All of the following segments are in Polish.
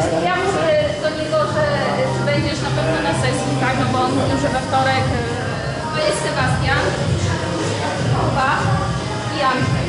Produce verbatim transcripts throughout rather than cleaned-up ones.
ja mówię do niego, że ty będziesz na pewno na sesji, tak? No bo on mówił, że we wtorek to jest Sebastian, Kuba i Andrzej.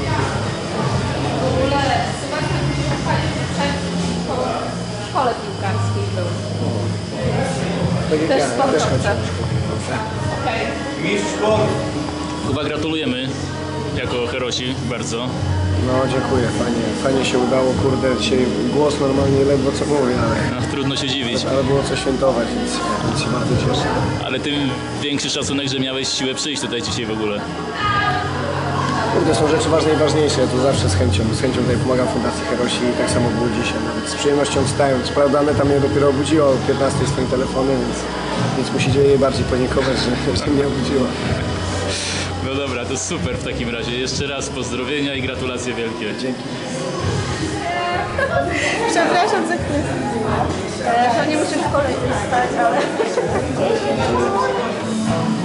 W ogóle Sebastian musi pochwalić, że przed w szkole piłkarskiej był. Tak jak Też ja, też sportowca. chodziłem. Okej. Mistrz sportu. Kuba, gratulujemy jako herosi bardzo. No dziękuję, fajnie, fajnie się udało, kurde, dzisiaj głos normalnie ledwo co mówię, ale, No, trudno się dziwić, ale było co świętować, więc, więc się bardzo cieszę. ale tym większy szacunek, że miałeś siłę przyjść tutaj dzisiaj w ogóle. Kurde, są rzeczy ważne i ważniejsze, ja tu zawsze z chęcią, z chęcią tutaj pomagam Fundacji Herosi i tak samo było dzisiaj, nawet z przyjemnością wstałem. Co prawda Aneta mnie dopiero obudziła o piętnastej swoim telefonem, więc, więc musicie jej bardziej podziękować, że, że mnie obudziła. No dobra, to super w takim razie. Jeszcze raz pozdrowienia i gratulacje wielkie. Dzięki. Przepraszam za chwilę. Pewnie muszę w szkole stać, ale...